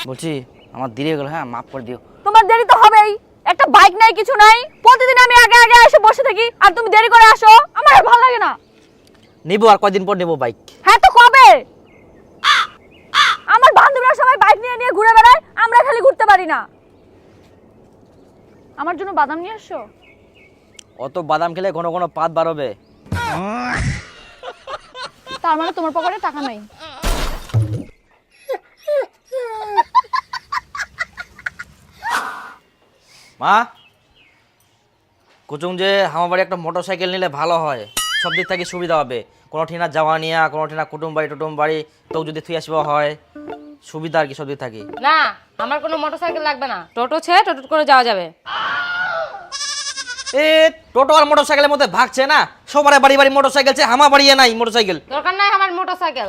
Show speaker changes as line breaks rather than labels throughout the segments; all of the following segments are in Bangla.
বলছি আমার দেরি হয়ে গেল, হ্যাঁ মাফ করে দিও।
তোমার দেরি তো হবেই, একটা বাইক নাই কিছু নাই, প্রতিদিন আমি আগে আগে এসে বসে থাকি আর তুমি দেরি করে আসো, আমার আর ভালো লাগে না।
নেবো, আর কয়দিন পর নেবো বাইক।
হ্যাঁ তো কবে? আমার বান্ধবীরা সবাই বাইক নিয়ে নিয়ে ঘুরে বেড়ায়, আমরা খালি ঘুরতে পারি না। আমার জন্য বাদাম নিয়ে আসো।
অত বাদাম খেলে ঘন ঘন পাত বার হবে।
তার মানে তোমার পকেটে টাকা নাই।
মা, কুচুং যে আমার বাড়ি একটা মোটর সাইকেল নিলে ভালো হয়, সব দিক থেকে সুবিধা হবে। কোনো ঠিনা যাওয়া নিয়া, কোনো ঠিনা কুটুম বাড়ি তো যদি থুই আসবা হয়, সুবিধা আর কি সব দিক থাকি।
না, আমার কোনো মোটরসাইকেল লাগবে না, টোটো ছেড়ে টোটো করে যাওয়া যাবে।
এ টোটো আর মোটর সাইকেলের মধ্যে ভাগছে না, সবার বাড়ি বাড়ি মোটর সাইকেল, আমার বাড়িয়ে নাই মোটর সাইকেল।
দরকার নাই আমার মোটরসাইকেল।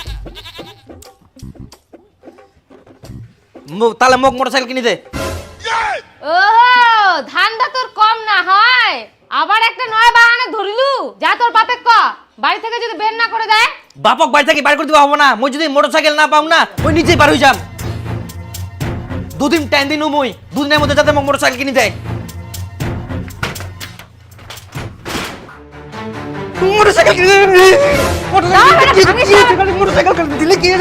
তাহলে মোক মোটর সাইকেল কিনে দে।
ও ধান্দা তোর কম না হয়, আবার একটা নয় বাহানা ধরিলু। যা তোর বাপে ক, বাড়ি থেকে যদি বের না করে দেয়।
বাপক বাড়ি থেকে বাইর করে দিবা হবো না, মই যদি মোটর সাইকেল না পাও না, ওই নিজেই বার হয়ে যাম। দুদিন টাইম দিন, মই দুদিনের মধ্যে যাতে মোক মোটর সাইকেল কিনে দেয়। মোটরসাইকেল কিনে দে, মোটরসাইকেল দিলে কি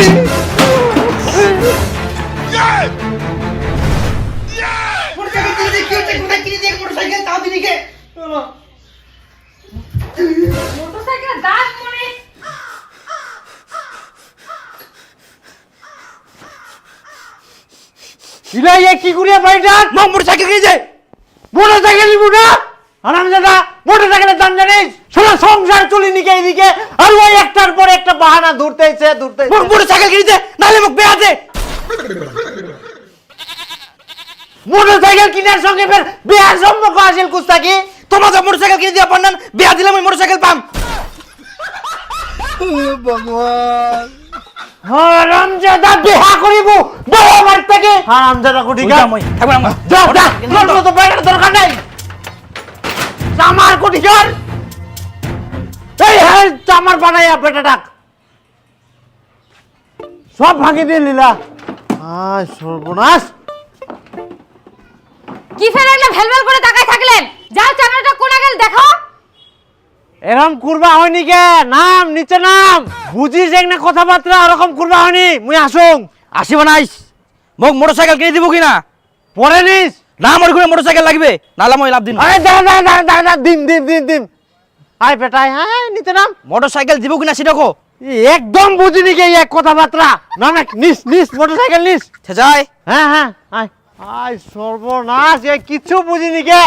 মোটরসাইকেলের দাঁত মনে
ইলাইয়া কি করিয়া বাড়িটা
মোক মোটরসাইকেল কিনে দে।
মোটরসাইকেল নিবো না আরামজাদা, মোটরসাইকেলের দাম জানিস? সারা সংসার চলি নিকে এইদিকে, আর ওই একটার পর একটা বাহানা ধরতেছে।
মোক মোটরসাইকেল কিনে দে, নাহলে মোক বেয়া দে।
মোটরসাইকেল কিনার সঙ্গে ফের বিয়ার সম্পর্ক আসিল কুস্তাকি?
তোমার তো মোটরসাইকেল কিনে দিয়া পান্নান, বেয়া দিলে মই মোটরসাইকেল পাম।
হারামজাদা বিয়া করিব বড় আমার থেকে। হারামজাদা কোটিকা
মই থাকব না।
যা যা, তোর তো বাইরের দরকার নাই। আমার কোটিকার এই হ্যাঁ চামার বানাইয়া পেটে ডাক সব ভাঙি দিয়ে লীলা। আয় সর্বনাশ।
কি ফেলে একটা ভেলভেল করে তাকায় থাকলেন? যাও চামড়াটা কোনা গেল দেখো।
এরকম করবা হয়নি কে? নাম নিচে নাম, বুঝিস এক না কথাবার্তা, ওরকম করবা হয়নি। মুই আসুং।
আসিব নাইস, মোক মোটরসাইকেল কিনে দিব কিনা?
পরে নিস
না, আমার ঘুরে মোটরসাইকেল লাগবে, নাহলে মই লাভ দিন।
আরে দাঁড়া দাঁড়া দাঁড়া দাঁড়া, দিম দিম দিম দিম। আয় বেটাই, হ্যাঁ নিচে নাম।
মোটরসাইকেল দিব কিনা সেটা কো।
একদম বুঝিনি কে এক কথাবার্তা। না না, নিস নিস মোটরসাইকেল নিস।
যাই।
হ্যাঁ হ্যাঁ আয় আয় সর্বনাশ, এ কিচ্ছু বুঝিনি কে।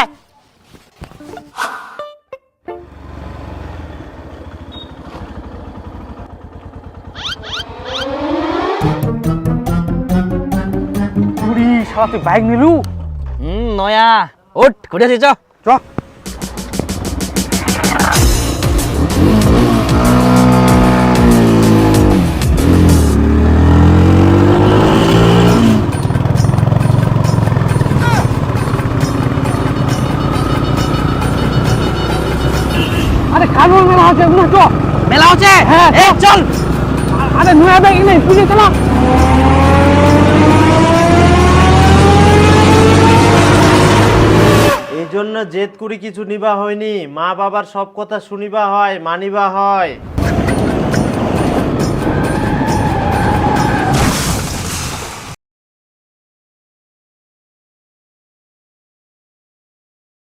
শালা তুই বাইক নিলু? নয়া ওঠ, ঘুরে আসি চ।
আরে খালুর মেলা আছে, বুঝছো?
মেলা হচ্ছে,
হ্যাঁ
চল।
আরে নয়া ব্যাগ নেই, বুঝে চলো। এই জন্য জেদ করি কিছু নিবা হয়নি, মা বাবার সব কথা শুনিবা হয়, মানিবা হয়।